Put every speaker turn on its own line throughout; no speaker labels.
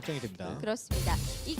걱정이 됩니다.
그렇습니다. 이건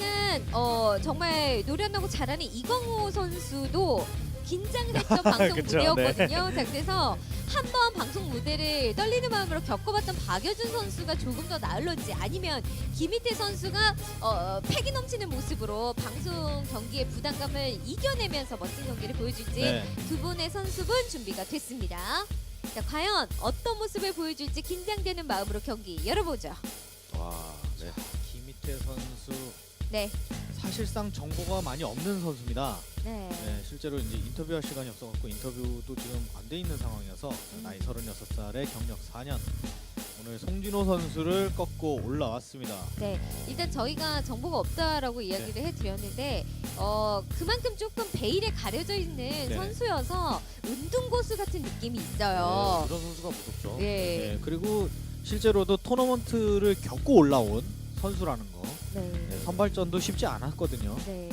정말 노련하고 잘하는 이광호 선수도 긴장됐던 방송
그쵸,
무대였거든요. 자, 그래서 한번 방송 무대를 떨리는 마음으로 겪어봤던 박여준 선수가 조금 더 나을런지 아니면 김희태 선수가 패기 넘치는 모습으로 방송 경기의 부담감을 이겨내면서 멋진 경기를 보여줄지
네.
두 분의 선수분 준비가 됐습니다. 자, 과연 어떤 모습을 보여줄지 긴장되는 마음으로 경기 열어보죠.
와, 네.
김희태 선수
네,
사실상 정보가 많이 없는 선수입니다.
네,
네, 실제로 이제 인터뷰할 시간이 없어갖고 인터뷰도 지금 안 돼 있는 상황이어서 나이 36살에 경력 4년 오늘 송진호 선수를 꺾고 올라왔습니다.
네. 일단 저희가 정보가 없다라고 이야기를 해드렸는데 그만큼 조금 베일에 가려져 있는 선수여서 운동고수 같은 느낌이 있어요.
네, 그런 선수가 무섭죠.
예.
네, 그리고 실제로도 토너먼트를 겪고 올라온 선수라는 거.
네.
네, 선발전도 쉽지 않았거든요.
네.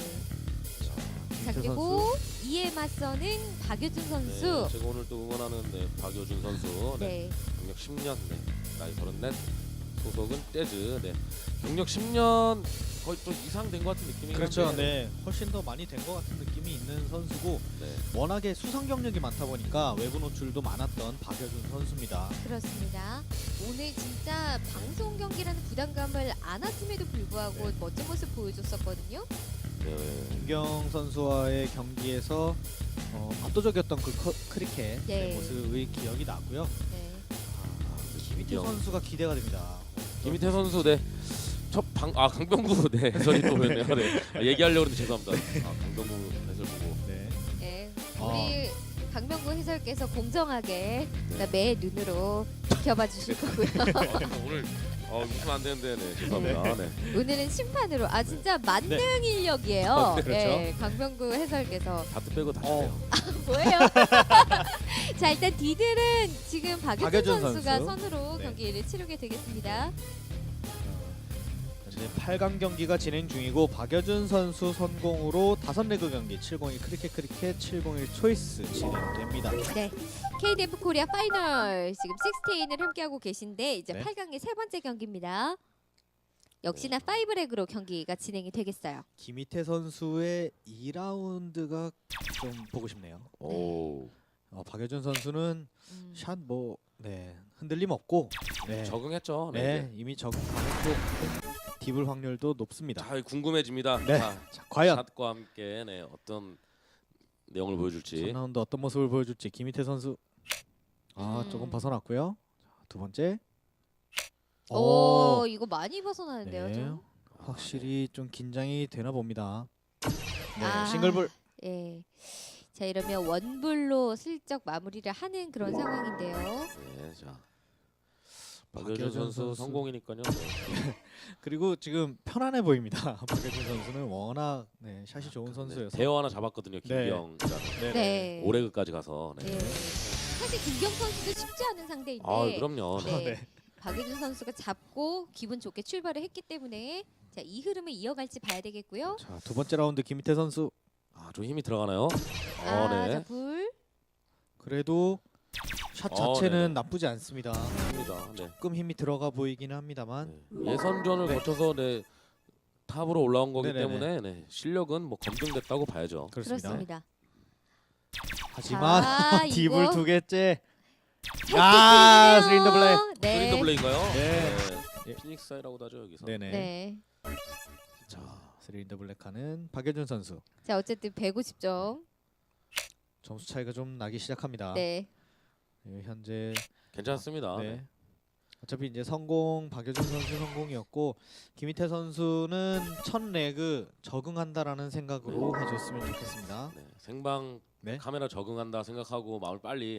자,
김희태
그리고 이에 맞서는 박여준 선수.
네, 제가 오늘 또 응원하는 박여준 선수. 네.
네.
경력 10년, 나이 34, 소속은 재즈. 네. 경력 10년 거의 또 이상 된 것 같은 느낌이.
그렇죠. 네, 훨씬 더 많이 된 것 같은 느낌이 있는 선수고
네.
워낙에 수상 경력이 많다 보니까 외부 노출도 많았던 박여준 선수입니다.
그렇습니다. 오늘 진짜 방송 경기라는 부담감을 안았음에도 불구하고 멋진 모습 보여줬었거든요.
네.
김경 선수와의 경기에서 압도적이었던 그 크리켓
네.
모습의 기억이 나고요.
네.
김희태
김경.
선수가 기대가 됩니다.
김희태 선수, 네. 강병구, 네. 해설이 또 보였네요. 네. 얘기하려고 했는데 죄송합니다. 강병구 해설 보고.
네.
네. 우리 강명구 해설께서 공정하게 매 눈으로 지켜봐 주실 거고요.
오늘 웃으면 안 되는데, 네. 죄송합니다. 네.
오늘은 심판으로 진짜 만능 인력이에요.
네,
그렇죠.
네, 강명구 해설께서
다트 빼고 다시 빼요.
뭐예요? 자, 일단 디들은 지금 박여준
박여준
선수가
선수.
선으로
네.
경기를 치르게 되겠습니다.
현재 8강 경기가 진행 중이고 박여준 선수 선공으로 5레그 경기 701 크리켓 701 초이스 진행됩니다.
네, KDF 코리아 파이널 지금 16을 함께하고 계신데 이제
네.
8강의 세 번째 경기입니다. 역시나 5레그로 경기가 진행이 되겠어요.
김희태 선수의 2라운드가 좀 보고 싶네요.
오.
박여준 선수는 샷 흔들림 없고 네.
적응했죠.
네, 이미 적응하고 딥을 확률도 높습니다.
자, 궁금해집니다.
네.
자,
과연
샷과 함께 어떤 내용을 보여줄지.
3라운드 어떤 모습을 보여줄지 김희태 선수 조금 벗어났고요. 자, 두 번째.
오, 이거 많이 벗어나는데요,
네.
좀.
확실히 좀 긴장이 되나 봅니다. 네,
아.
싱글볼.
예. 자, 이러면 원불로 슬쩍 마무리를 하는 그런 상황인데요.
네, 자. 박여준
박여준
선수
선수.
성공이니까요.
그리고 지금 편안해 보입니다. 박여준 선수는 워낙 샷이 좋은 선수여서.
대어 하나 잡았거든요. 김경.
네.
오레그까지 가서. 네.
네. 사실 김경 선수도 쉽지 않은 상대인데.
그럼요.
네.
네.
박여준 선수가 잡고 기분 좋게 출발을 했기 때문에 자, 이 흐름을 이어갈지 봐야 되겠고요.
자, 두 번째 라운드 김희태 선수.
좀 힘이 들어가나요?
자,
네.
불.
그래도 샷
네네.
자체는 나쁘지 않습니다.
힘니다. 네.
조금 힘이 들어가 보이기는 합니다만.
예선전을 거쳐서 탑으로 올라온 거기
네네네.
때문에 실력은 뭐 검증됐다고 봐야죠.
그렇습니다.
그렇습니다.
하지만
자,
딥을
이거
두 개째.
살짝
스린더 블랙.
네.
스린더 블레인가요?
네.
네. 피닉스 사이라고도 하죠 여기서.
네네.
네.
자, 스린더 블랙하는 박여준 선수.
자, 어쨌든 150점.
점수 차이가 좀 나기 시작합니다.
네.
현재
괜찮습니다.
네. 어차피 이제 성공 박여준 선수 성공이었고 김희태 선수는 첫 레그 적응한다라는 생각으로 해줬으면 좋겠습니다.
네. 생방
네.
카메라 적응한다 생각하고 마음을 빨리.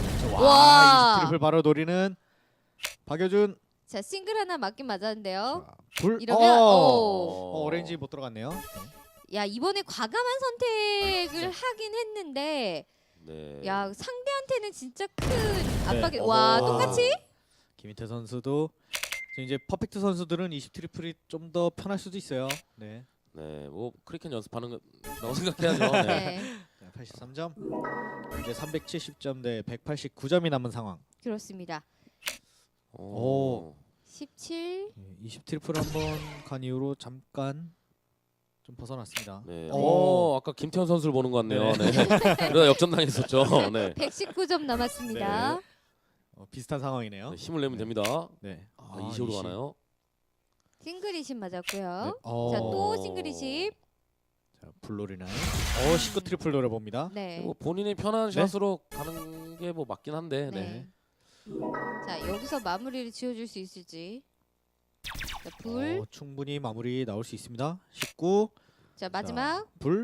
와.
이 트리플 바로 노리는 박여준.
자, 싱글 하나 맞긴 맞았는데요.
자, 불.
이러면
오렌지 못 들어갔네요.
야, 이번에 과감한 선택을 하긴 했는데
네.
야, 상대한테는 진짜 큰 압박이.
어허.
와, 똑같이?
김희태 선수도 지금 이제 퍼펙트 선수들은 20 트리플이 좀 더 편할 수도 있어요. 네.
네. 뭐 크리켓 연습하는 거라고 생각해야죠. 네.
네.
83점. 이제 370점 대 189점이 남은 상황.
그렇습니다.
오.
17.
20 트리플 한번 간 이후로 잠깐 좀 벗어났습니다.
네.
오.
아까 김태현 선수를 보는 것 같네요. 네. 그러다 역전당했었죠. 네.
119점 남았습니다.
네. 비슷한 상황이네요.
네, 힘을 내면
네.
됩니다.
네.
20으로 가나요?
싱글이십 맞았고요.
네.
자, 또 싱글이십.
자, 블로리나이. 19 트리플 노려봅니다.
네.
뭐 본인이 편한
네.
샷으로 가는 게 뭐 맞긴 한데. 네.
네. 자, 여기서 마무리를 지어줄 수 있을지. 자, 불.
충분히 마무리 나올 수 있습니다. 19.
자, 마지막.
불.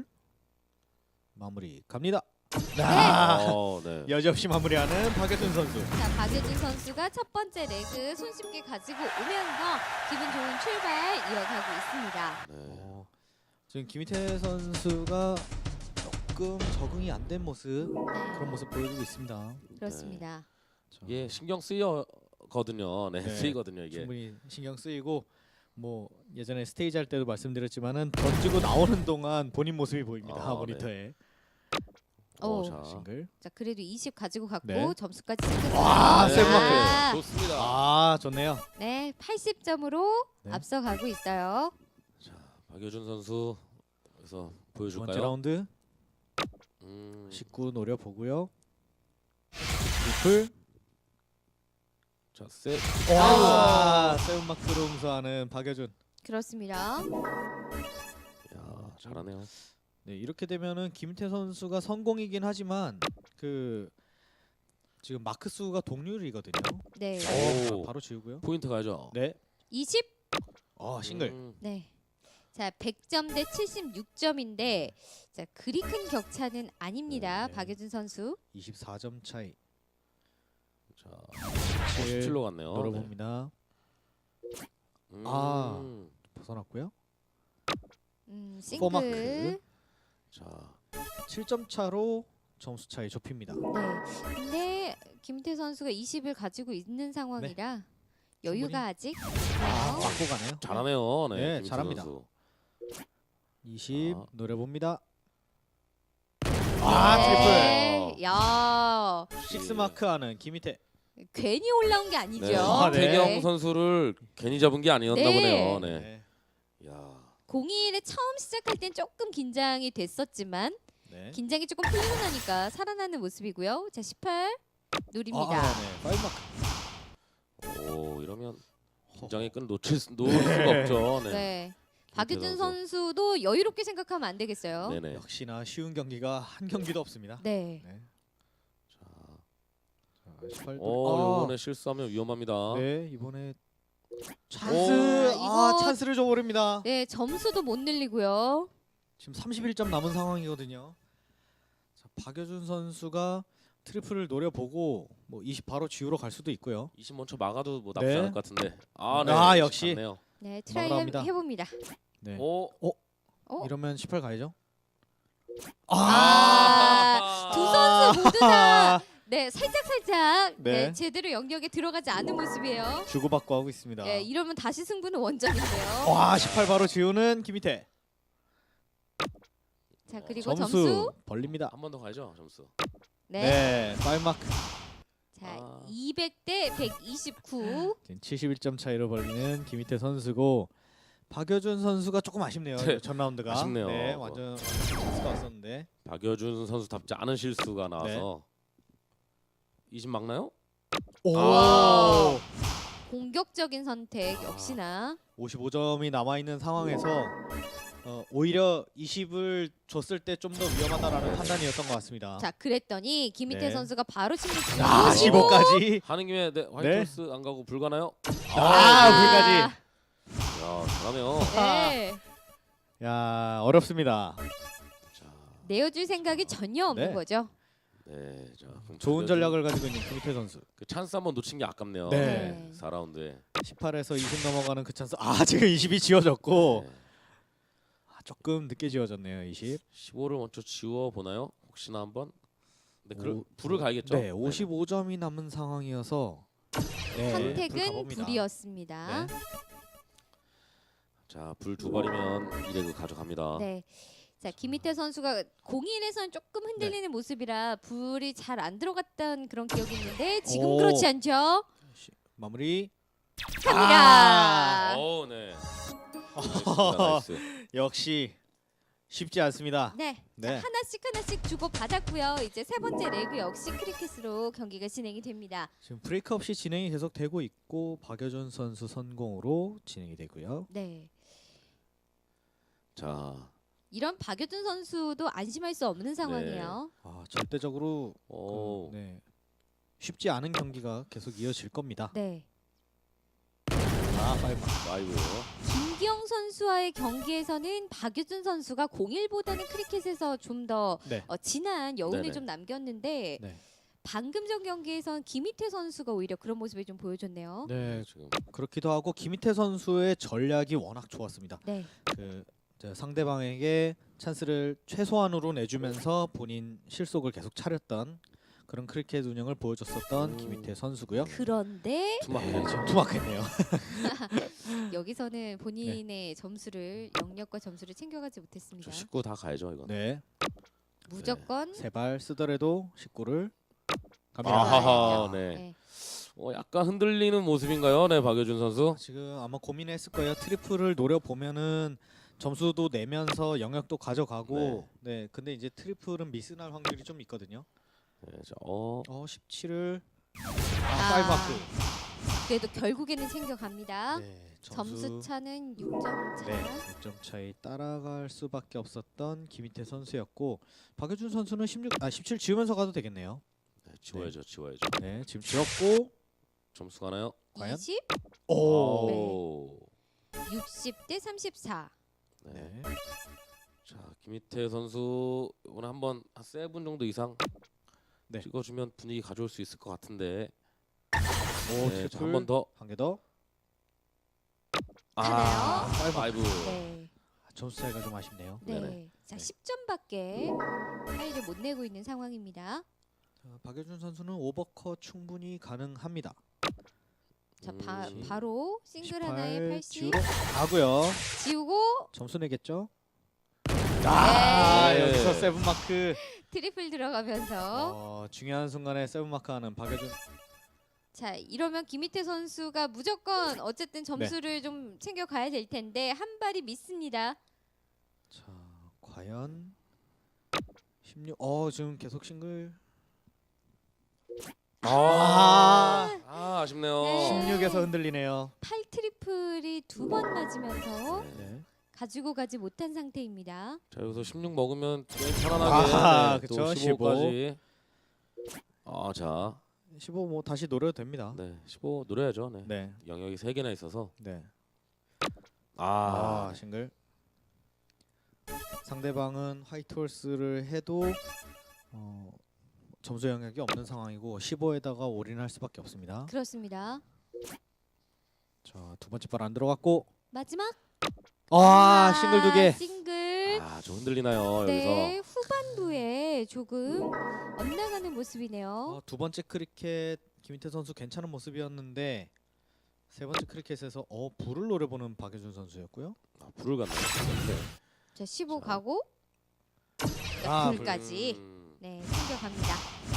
마무리 갑니다.
네.
여지없이 마무리하는 박여준 선수.
자, 박여준 선수가 첫 번째 레그 손쉽게 가지고 오면서 기분 좋은 출발 이어가고 있습니다.
네.
지금 김희태 선수가 조금 적응이 안 된 모습,
네,
그런 모습 보여주고 있습니다.
그렇습니다.
이게 신경 쓰여거든요. 네,
네.
쓰이거든요 이게.
충분히 신경 쓰이고 뭐 예전에 스테이지 할 때도 말씀드렸지만은 던지고 나오는 동안 본인 모습이 보입니다.
아,
모니터에.
오.
자.
싱글.
자, 그래도 20 가지고 갔고
네.
점수까지 챙겼습니다.
와,
네.
세븐마크.
좋습니다.
아, 좋네요.
네, 80점으로
네.
앞서가고 있어요.
자, 박여준 선수 여기서
두 번째
보여줄까요?
라운드
19.
19 노려 보고요. 트리플.
자, 셋.
와, 세븐마크로 응수하는 박여준.
그렇습니다.
야, 잘하네요.
네, 이렇게 되면은 김태 선수가 성공이긴 하지만 그 지금 마크 수가 동률이거든요.
네,
오.
바로 지우고요.
포인트 가죠.
네.
20.
싱글.
네. 자, 100점 대 76점인데 자, 그리 큰 격차는 아닙니다.
네.
박여준 선수.
24점 차이.
자,
17
17로 갔네요.
노려봅니다.
네.
아. 벗어났고요. 포마크.
싱글.
자,
7점 차로 점수 차이 좁힙니다.
네. 근데 김태 선수가 20을 가지고 있는 상황이라 여유가 아직 있나요?
맞고 가네요.
잘하네요. 네,
네,
김희태
잘합니다.
선수.
20
아.
노려봅니다.
네. 야,
식스 마크하는 김희태.
괜히 올라온 게 아니죠.
네.
아, 네.
태경 선수를 괜히 잡은 게 아니었나
네.
보네요. 네.
네.
야,
01에 처음 시작할 땐 조금 긴장이 됐었지만
네.
긴장이 조금 풀리고 나니까 살아나는 모습이고요. 자, 18 누립니다.
네. 파이브 마크.
오, 이러면 긴장의 끈 놓을 수가 없죠. 네.
네. 박유준
선수.
선수도 여유롭게 생각하면 안 되겠어요.
네네.
역시나 쉬운 경기가 한 경기도 없습니다.
네.
네.
자,
자, 18.
이번에 실수하면 위험합니다.
네, 이번에
오.
찬스.
이거-
찬스를 줘버립니다.
네, 점수도 못 늘리고요.
지금 31점 남은 상황이거든요. 자, 박여준 선수가 트리플을 노려보고 뭐 20 바로 지우러 갈 수도 있고요.
20 먼저 막아도 뭐 나쁘지
네.
않을 것 같은데. 아, 네.
아, 역시.
좋네요.
네, 트라이
막으랍니다.
해봅니다.
네.
오.
이러면 18 가야죠.
두 선수 모두 다 네, 살짝 네.
네.
제대로 영역에 들어가지 않은 모습이에요.
주고받고 하고 있습니다.
네, 이러면 다시 승부는 원점인데요.
와, 18 바로 지우는 김희태.
자, 그리고
점수,
점수.
벌립니다.
한 번 더 가죠, 점수.
네.
네, 파이브 마크.
자,
아.
200대 129.
71점 차이로 벌리는 김희태 선수고 박여준 선수가 조금 아쉽네요.
네.
전 라운드가.
아쉽네요.
네, 완전 찬스가 왔었는데.
박여준 선수답지 않은 실수가 나와서 20 막나요?
오!
아.
공격적인 선택 역시나.
55점이 남아 있는 상황에서 오히려 20을 줬을 때 좀 더 위험하다라는 판단이었던 것 같습니다.
자, 그랬더니 김희태
네.
선수가 바로 침묵.
아, 15까지.
하는 김에 네, 화이트홀스 안 가고 불 가나요?
불까지.
야, 잘하네요.
네.
야, 어렵습니다.
자,
내어줄 생각이 전혀 없는
네.
거죠.
네, 자, 그럼
좋은
박여준
전략을 가지고 있는 김희태 선수.
그 찬스 한번 놓친 게 아깝네요.
네.
4라운드에.
18에서 20 넘어가는 그 찬스. 지금 20이 지워졌고
네.
조금 늦게 지워졌네요. 20.
15를 먼저 지워 보나요? 혹시나 한번. 네,
오,
불을 가야겠죠.
네, 55점이 남은 상황이어서 네, 불
선택은
가봅니다.
불이었습니다.
네.
자, 불 두 발이면 이레그 가져갑니다.
네. 자, 김희태 선수가 01에서는 조금 흔들리는 모습이라 불이 잘 안 들어갔던 그런 기억이 있는데 지금
오.
그렇지 않죠?
마무리.
갑니다.
오, 네. 알겠습니다. 나이스.
역시 쉽지 않습니다.
네.
네.
자, 하나씩 주고 받았고요. 이제 세 번째 레그 역시 크리켓으로 경기가 진행이 됩니다.
지금 브레이크 없이 진행이 계속 되고 있고 박여준 선수 선공으로 진행이 되고요.
네.
자,
이런 박여준 선수도 안심할 수 없는 상황이에요.
절대적으로
오,
네. 쉽지 않은 경기가 계속 이어질 겁니다.
네.
아이고.
김기영 선수와의 경기에서는 박여준 선수가 01보다는 크리켓에서 좀 더
네.
진한 여운을
네네.
좀 남겼는데
네.
방금 전 경기에선 김희태 선수가 오히려 그런 모습을 좀 보여줬네요.
네.
지금
그렇기도 하고 김희태 선수의 전략이 워낙 좋았습니다.
네.
이제 상대방에게 찬스를 최소한으로 내주면서 본인 실속을 계속 차렸던 그런 크리켓 운영을 보여줬었던 김희태 선수고요.
그런데
투마크.
지금 투막했네요.
여기서는 본인의 점수를 영역과 점수를 챙겨가지 못했습니다.
19 다 가야죠, 이건.
네.
무조건
세 발 쓰더라도 19를 갑니다.
아하하,
들어가야죠.
네. 약간 흔들리는 모습인가요, 네, 박여준 선수?
지금 아마 고민했을 거예요. 트리플을 노려 보면은 점수도 내면서 영역도 가져가고. 네. 근데 이제 트리플은 미스날 확률이 좀 있거든요.
네, 자,
17을
아.
5마크.
그래도 결국에는 챙겨갑니다.
네.
점수 차는 6점 차.
네, 6점 차이 따라갈 수밖에 없었던 김희태 선수였고 박여준 선수는 17 지우면서 가도 되겠네요.
네, 지워야죠, 지워야죠.
네, 지금 지웠고
점수 가나요?
과연?
20,
오.
60대 34.
네.
네.
자, 김희태 선수 오늘 한번 한 7분 정도 이상
네.
찍어주면 분위기 가져올 수 있을 것 같은데.
오,
네,
트리플
한 번 더.
한 개 더.
가나요?
5.
네.
점수 차이가 좀 아쉽네요.
네.
네네.
자,
네.
10점밖에 차이를 못 내고 있는 상황입니다.
자, 박여준 선수는 오버컷 충분히 가능합니다.
자,
음.
바로 싱글 하나에 80
지우러 가고요.
지우고
점수 내겠죠?
네.
여기서 세븐 마크.
트리플 들어가면서
중요한 순간에 세븐 마크 하는 박여준.
자, 이러면 김희태 선수가 무조건 어쨌든 점수를 좀 챙겨가야 될 텐데 한 발이 미스입니다.
자, 과연 16. 지금 계속 싱글.
아쉽네요.
네.
16에서 흔들리네요.
8 트리플이 두 번 맞으면서
네.
가지고 가지 못한 상태입니다.
자, 여기서 16 먹으면 게임 편안하게
아하,
네,
그쵸,
또 15까지. 자,
15 뭐 다시 노려도 됩니다.
네, 15 노려야죠. 네.
네.
영역이 3개나 있어서.
네.
아,
싱글. 상대방은 화이트 홀스를 해도 점수 영역이 없는 상황이고 15에다가 올인할 수밖에 없습니다.
그렇습니다.
자, 두 번째 발 안 들어갔고
마지막
싱글 두 개.
싱글.
좀 흔들리나요,
네,
여기서.
후반부에 조금 엇나가는 모습이네요.
두 번째 크리켓 김희태 선수 괜찮은 모습이었는데 세 번째 크리켓에서 불을 노려보는 박여준 선수였고요.
불을 갔네요. 네.
자, 15
자.
가고 불까지 네, 챙겨갑니다.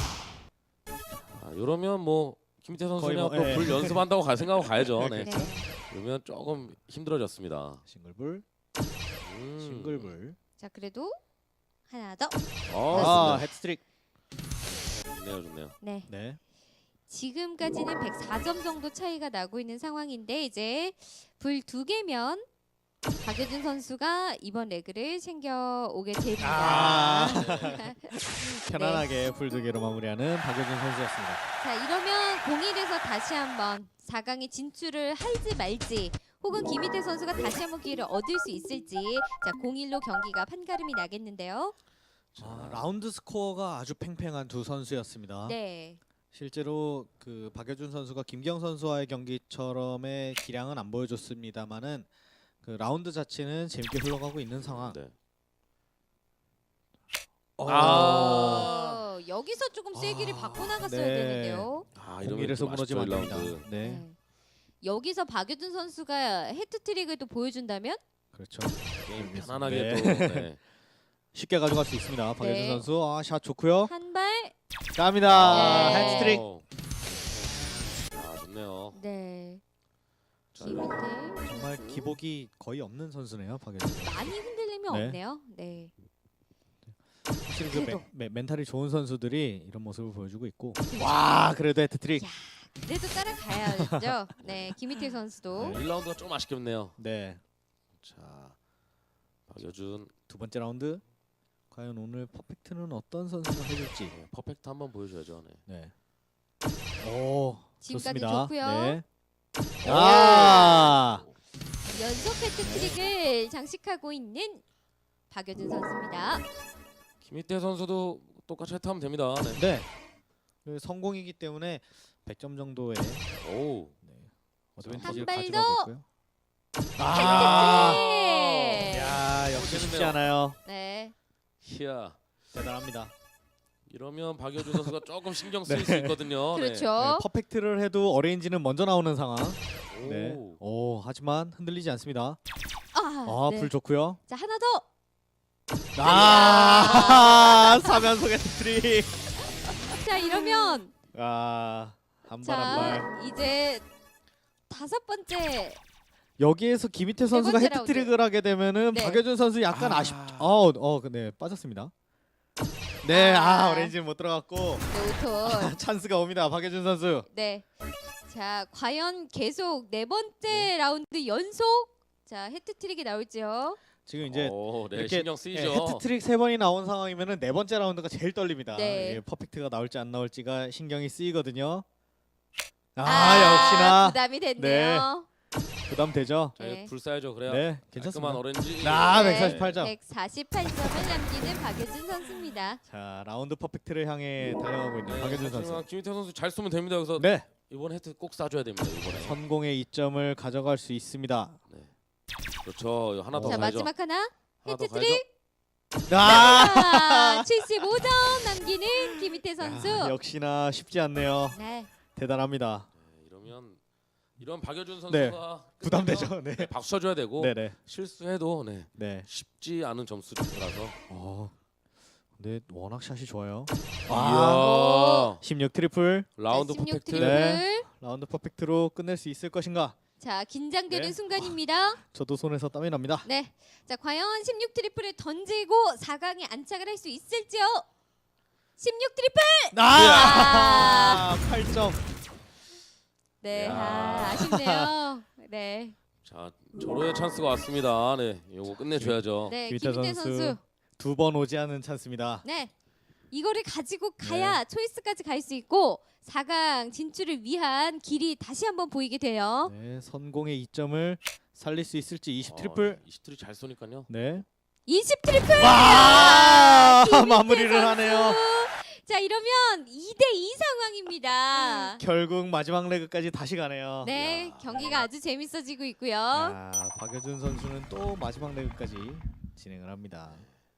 이러면 뭐 김희태
거의
선수는
뭐,
또 불 연습한다고 갈 생각하고 가야죠. 네.
네.
그러면 조금 힘들어졌습니다.
싱글불, 싱글불.
자, 그래도 하나 더.
좋습니다.
헤트트릭.
좋네요.
네.
네.
지금까지는 104점 정도 차이가 나고 있는 상황인데 이제 불 두 개면 박여준 선수가 이번 레그를 챙겨오게 됩니다.
편안하게 불 두 개로 마무리하는 박여준 선수였습니다.
자, 이러면 01에서 다시 한번 4강에 진출을 할지 말지 혹은 김희태 선수가 다시 한번 기회를 얻을 수 있을지 자, 01로 경기가 판가름이 나겠는데요.
라운드 스코어가 아주 팽팽한 두 선수였습니다.
네.
실제로 그 박여준 선수가 김기영 선수와의 경기처럼의 기량은 안 보여줬습니다만은 그 라운드 자체는 재밌게 흘러가고 있는 상황.
네.
여기서 조금 세기를 받고 나갔어야
네.
되는데요.
이러면
01에서
좀
무너지면
아쉽죠,
안 됩니다.
1라운드.
네.
네. 여기서 박여준 선수가 헤트트릭을 또 보여준다면
그렇죠.
게임 편안하게
네.
또 네.
쉽게 가져갈 수 있습니다. 박여준
네.
선수. 샷 좋고요.
한 발.
갑니다.
네.
헤트트릭.
좋네요.
네. 김희태
정말 기복이 거의 없는 선수네요, 박여준.
많이 흔들림이
네.
없네요. 네.
확실히 그
그래도.
멘탈이 좋은 선수들이 이런 모습을 보여주고 있고. 와, 그래도 헤트트릭.
야, 그래도 따라가야죠. 네, 김희태 선수도.
네, 1라운드가 좀 아쉽겠네요.
네,
자, 박여준
두 번째 라운드. 과연 오늘 퍼펙트는 어떤 선수가 해줄지.
네, 퍼펙트 한번 보여줘야죠. 네.
네. 오,
지금까지
좋습니다.
좋고요.
네. 아,
연속 해트트릭을 장식하고 있는 박여준 선수입니다.
김희태 선수도 똑같이 해트하면 됩니다. 네.
네. 그 성공이기 때문에 100점 정도의
오.
어드밴티지를
발
가져가고
더!
있고요.
해트트릭!
야, 역시 쉽지
멋있는데요.
않아요.
네.
희야.
대단합니다.
이러면 박여준 선수가 조금 신경 쓰일
네.
수 있거든요.
그렇죠.
네, 퍼펙트를 해도 어레인지는 먼저 나오는 상황.
네.
네.
오.
오, 하지만 흔들리지 않습니다.
아, 네.
불 좋고요.
자, 하나 더.
사면속 헤트트릭.
자, 이러면
한 발 한
자,
발.
이제 다섯 번째.
여기에서 김희태 선수가
번째
헤트트릭을 하게 되면은
네.
박여준 선수 약간
아.
아쉽. 네, 빠졌습니다. 네, 어레인지는 못 들어갔고
네, 오톤.
찬스가 옵니다. 박여준 선수.
네. 자, 과연 계속 네 번째 라운드 연속 자, 해트트릭이 나올지요.
지금 이제
오, 네,
이렇게
신경 쓰이죠.
헤트트릭 3번이 나온 상황이면은 네 번째 라운드가 제일 떨립니다.
네.
예, 퍼펙트가 나올지 안 나올지가 신경이 쓰이거든요. 역시나
부담이 됐네요.
부담되죠.
자,
네.
불 쏴야죠. 그래요.
네,
깔끔한
괜찮습니다.
오렌지.
네.
148점.
148점을 남기는 박여준 선수입니다.
자, 라운드 퍼펙트를 향해 달려가고 있는
네,
박여준
하지만
선수.
김희태 선수 잘 쏘면 됩니다. 그래서
네,
이번 헤트 꼭 쏴줘야 됩니다. 이번에.
선공의 2점을 가져갈 수 있습니다.
그렇죠. 하나 더
자,
가야죠.
마지막 하나.
하나 더
헤트트릭.
아,
75점 남기는 김희태 선수.
역시나 쉽지 않네요.
네.
대단합니다.
네, 이런 박여준 선수가
네,
끝나면
부담되죠. 네,
네, 박수 쳐줘야 되고
네.
실수해도 네,
네.
쉽지 않은 점수라서.
근데 워낙 샷이 좋아요.
이야.
16 트리플.
라운드
16
퍼펙트.
트리플.
네. 라운드 퍼펙트로 끝낼 수 있을 것인가?
자, 긴장되는
네.
순간입니다.
저도 손에서 땀이 납니다.
네. 자, 과연 16 트리플을 던지고 4강에 안착을 할 수 있을지요? 16 트리플!
8점.
네.
야.
아쉽네요. 네.
자, 절호의 찬스가 왔습니다. 네, 요거 끝내줘야죠.
네,
김희태
김희태 선수.
선수. 2번 오지 않은 찬스입니다.
네. 이거를 가지고 가야 초이스까지 갈 수 있고 4강 진출을 위한 길이 다시 한번 보이게 돼요.
네, 선공의 2점을 살릴 수 있을지 20 트리플.
20트리 잘 쏘니까요.
네.
20 트리플!
와!
김희태
마무리를
선수.
하네요.
자, 이러면 2대2 상황입니다.
결국 마지막 레그까지 다시 가네요.
네,
야.
경기가 아주 재밌어지고 있고요.
박여준 선수는 또 마지막 레그까지 진행을 합니다.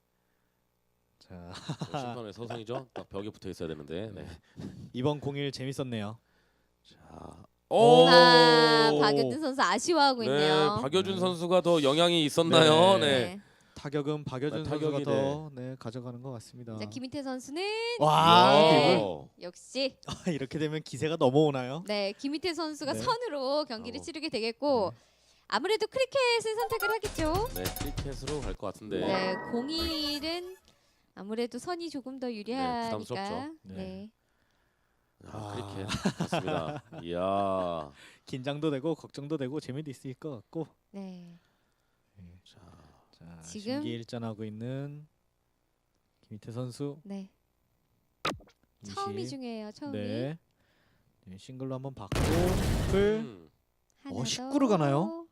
자,
심판의 서성이죠. 딱 벽에 붙어 있어야 되는데. 네.
이번 공일 재밌었네요.
자,
박여준 선수 아쉬워하고 있네요.
네, 박여준 선수가 더 영향이 있었나요? 네.
타격은 박여준
네,
선수가
타격이,
더 가져가는 것 같습니다.
자, 김희태 선수는
와,
네.
드리블.
역시
이렇게 되면 기세가 넘어오나요?
네, 김희태 선수가
네.
선으로 경기를
어.
치르게 되겠고 아무래도 크리켓을 선택을 하겠죠.
네, 크리켓으로 갈 것 같은데.
네, 01은 아무래도 선이 조금 더 유리하니까.
부담스럽죠.
네.
크리켓 맞습니다. 이야.
긴장도 되고 걱정도 되고 재미도 있을 것 같고.
네.
자,
자,
지금-
신기일전하고 있는 김희태 선수.
네.
20.
처음이 중요해요. 처음이.
네. 네, 싱글로 한번 받고 풀.
하나
19로 가나요?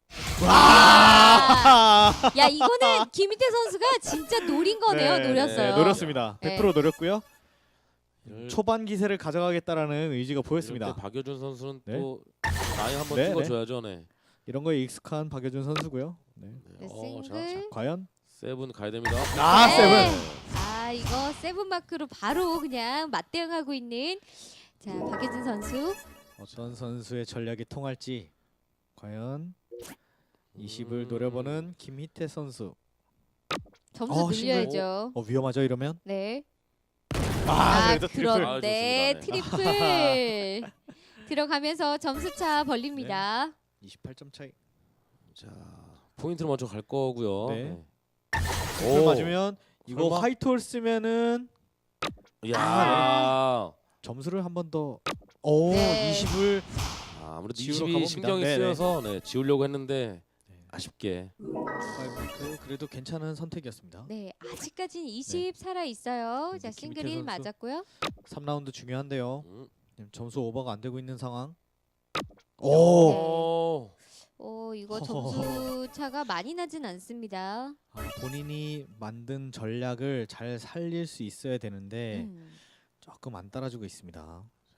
와! 야, 이거는 김희태 선수가 진짜 노린 거네요.
네,
노렸어요.
네, 노렸습니다.
네.
100% 노렸고요.
이럴-
초반 기세를 가져가겠다라는 의지가
이럴
보였습니다.
때 박여준 선수는
네.
또 라인 한번
네,
찍어줘야죠. 네.
이런 거에 익숙한 박여준 선수고요. 네.
네,
자,
싱글.
과연
세븐 가야 됩니다.
네.
세븐.
이거 세븐 마크로 바로 그냥 맞대응하고 있는 자, 박예진 선수.
어떤 선수의 전략이 통할지 과연 20을 노려보는 김희태 선수.
점수
싱글.
늘려야죠.
위험하죠 이러면?
네.
그래도 트리플.
그런데
아, 좋습니다.
트리플 들어가면서 점수차 벌립니다.
28점 차이.
자, 포인트를 먼저 갈 거고요.
네.
오.
오. 맞으면 이거
설마?
화이트홀 쓰면은
야.
점수를 한 번 더. 오,
네.
20을
아무래도
지우러
20이
가봅니다.
신경이
네네.
쓰여서 지우려고 했는데
네.
아쉽게.
5마크 그래도 괜찮은 선택이었습니다.
네, 아직까지는 20 살아 있어요.
네,
자,
김희태
싱글 1
선수.
맞았고요.
3라운드 중요한데요.
음.
지금 점수 오버가 안 되고 있는 상황.
네.
오.
이거
허허허.
점수 차가 많이 나진 않습니다.
본인이 만든 전략을 잘 살릴 수 있어야 되는데
음.
조금 안 따라주고 있습니다.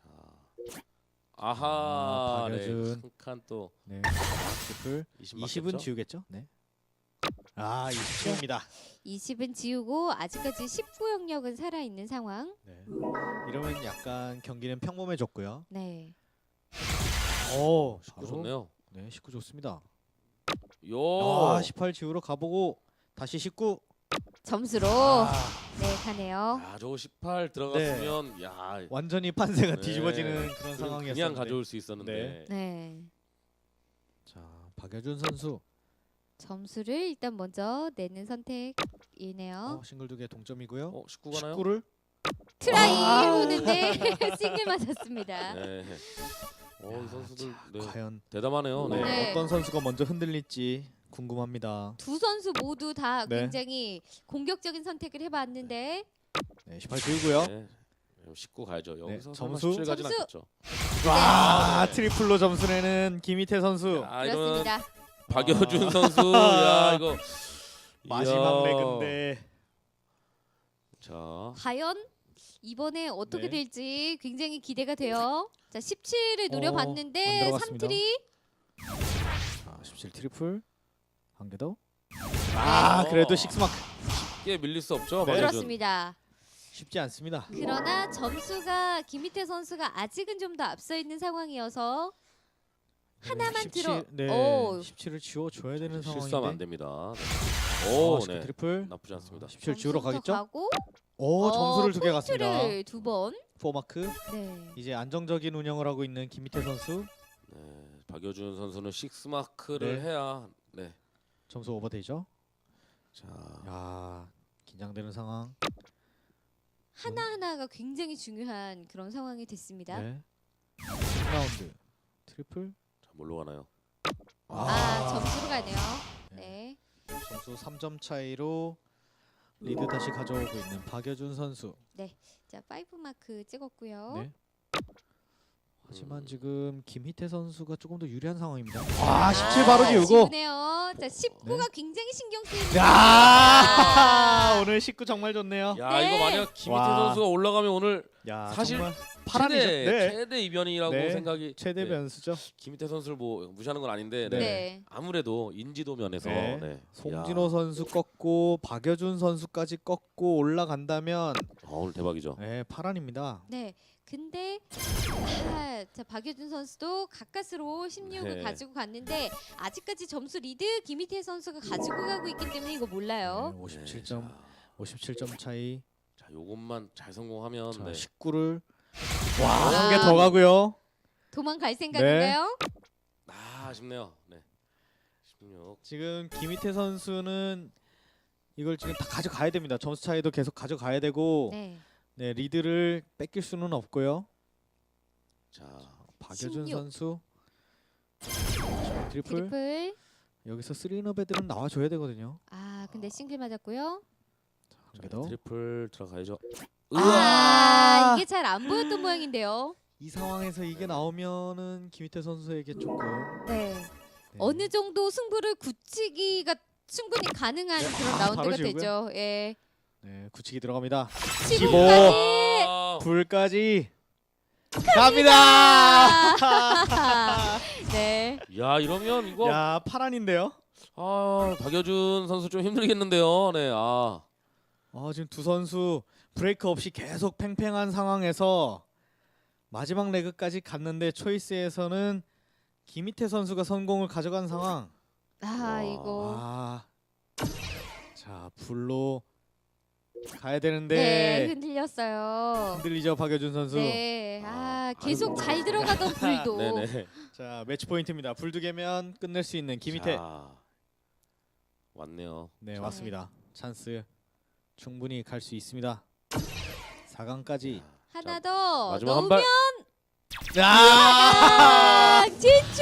아하. 네.
박여준.
한칸 또
네. 트리플
20
20은
맞겠죠?
지우겠죠? 네. 아, 20 지웁니다.
20은 지우고 아직까지 19 영역은 살아 있는 상황.
네. 이러면 약간 경기는 평범해졌고요.
네.
오,
19 좋네요.
네, 19 좋습니다.
요.
아, 18 지우러 가보고 다시 19.
점수로
아,
네, 가네요.
야, 저거 18 들어갔으면 야,
완전히 판세가
네.
뒤집어지는 그런
그냥
상황이었는데.
가져올 수 있었는데.
네.
자, 박여준 선수
점수를 일단 먼저 내는 선택이네요.
싱글 2개 동점이고요.
19 가나요?
19를
트라이
아.
보는데 싱글 맞았습니다.
네. 이 선수들 네.
과연
대담하네요. 네.
네.
어떤 선수가 먼저 흔들릴지 궁금합니다.
두 선수 모두 다
네.
굉장히 공격적인 선택을 해봤는데
네, 18 지우고요.
네. 19 가야죠. 여기서
점수?
17 가진
점수?
않겠죠.
와,
네.
트리플로 점수 내는 김희태 선수.
아, 이런
그렇습니다.
박여준 선수. 야, 이거
마지막
이야.
레그인데.
자,
과연 이번에 어떻게
네.
될지 굉장히 기대가 돼요. 자, 17을
안
노려봤는데
들어갔습니다.
3트리.
자, 17 트리플 한 개 더.
네.
아, 그래도 6마크
쉽게 밀릴 수 없죠.
네.
박여준.
그렇습니다.
쉽지 않습니다.
그러나 점수가 김희태 선수가 아직은 좀 더 앞서 있는 상황이어서 하나만
17,
들어.
네,
오.
17을 지워 줘야 되는
실수하면 안
상황인데.
됩니다. 네. 오,
19
네.
트리플.
나쁘지 않습니다.
17 지우러
점수부터
가겠죠?
가고,
오, 점수를 2개 갔습니다.
포인트를 2번.
4마크.
네.
이제 안정적인 운영을 하고 있는 김희태 선수.
네. 박여준 선수는 6 마크를
네.
해야
점수 오버되죠?
자,
야, 긴장되는 상황.
하나하나가 굉장히 중요한 그런 상황이 됐습니다.
네. 10라운드 트리플.
자, 뭘로 가나요?
점수로 가네요. 네.
점수 3점 차이로 리드 다시 가져오고 있는 박여준 선수.
자, 5 마크 찍었고요.
네. 하지만 지금 김희태 선수가 조금 더 유리한 상황입니다. 아, 17 바로 지우고.
지우네요. 자, 19가 굉장히 신경 쓰이는.
야, 오늘 19 정말 좋네요.
야,
네.
이거 만약 김희태
와.
선수가 올라가면 오늘
야,
사실
정말 파란이죠. 네.
최대 이변이라고
네.
생각이
최대
네.
변수죠.
김희태 선수를 뭐 무시하는 건 아닌데
네.
네.
아무래도 인지도 면에서
네. 송진호 선수 꺾고 박여준 선수까지 꺾고 올라간다면
오늘 대박이죠.
네, 파란입니다.
네. 근데 자, 박여준 선수도 가까스로 16을
네.
가지고 갔는데 아직까지 점수 리드 김희태 선수가 가지고 가고 있기 때문에 이거 몰라요.
네, 57점 차이.
자, 요것만 잘 성공하면
자,
네.
19를 한 개 더 가고요.
도망갈 생각인가요?
아쉽네요. 네. 16.
지금 김희태 선수는 이걸 지금 다 가져가야 됩니다. 점수 차이도 계속 가져가야 되고
네.
네, 리드를 뺏길 수는 없고요.
자,
박여준
16.
선수 자, 트리플.
트리플.
여기서 3인업 애들은 나와줘야 되거든요.
근데 싱글 맞았고요.
한 개 더.
트리플 들어가야죠.
이게 잘 안 보였던 모양인데요.
이 상황에서 이게 나오면은 김희태 선수에게 조금
네.
네.
어느 정도 승부를 굳히기가 충분히 가능한 그런
바로
라운드가
지우고요?
되죠. 예.
네, 굳히기 들어갑니다.
15까지.
아,
불까지 갑니다.
네.
야, 이러면 이거
야, 파란인데요.
박여준 선수 좀 힘들겠는데요. 네.
지금 두 선수 브레이크 없이 계속 팽팽한 상황에서 마지막 레그까지 갔는데 초이스에서는 김희태 선수가 성공을 가져간 상황.
와.
이거
자, 불로 가야
네,
되는데
흔들렸어요.
흔들리죠 박여준 선수.
네, 계속 잘 들어가던 불도.
네네.
자 매치 포인트입니다. 불 2개면 끝낼 수 있는 김희태.
자, 왔네요.
네 왔습니다. 찬스 충분히 갈 수 있습니다. 4강까지.
하나 더
마지막 한
넣으면
발.
야!
4강 진출.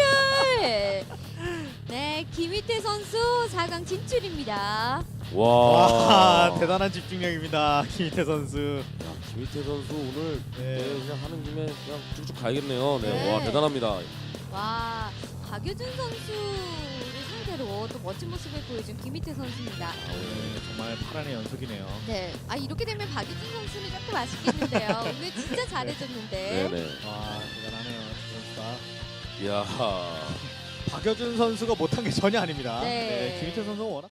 네, 김희태 선수 4강 진출입니다.
와,
대단한 집중력입니다. 김희태 선수.
야, 김희태 선수 오늘
네.
그냥 하는 김에 그냥 쭉쭉 가야겠네요. 네,
네.
와 대단합니다.
와, 박여준 선수를 상대로 또 멋진 모습을 보여준 김희태 선수입니다.
오늘 정말 파란의 연속이네요.
네, 이렇게 되면 박여준 선수는 조금 아쉽겠는데요. 오늘 진짜 잘해줬는데.
네네.
와 대단하네요. 선수가.
이야.
박여준 선수가 못한 게 전혀 아닙니다.
네.
김희태 선수가 워낙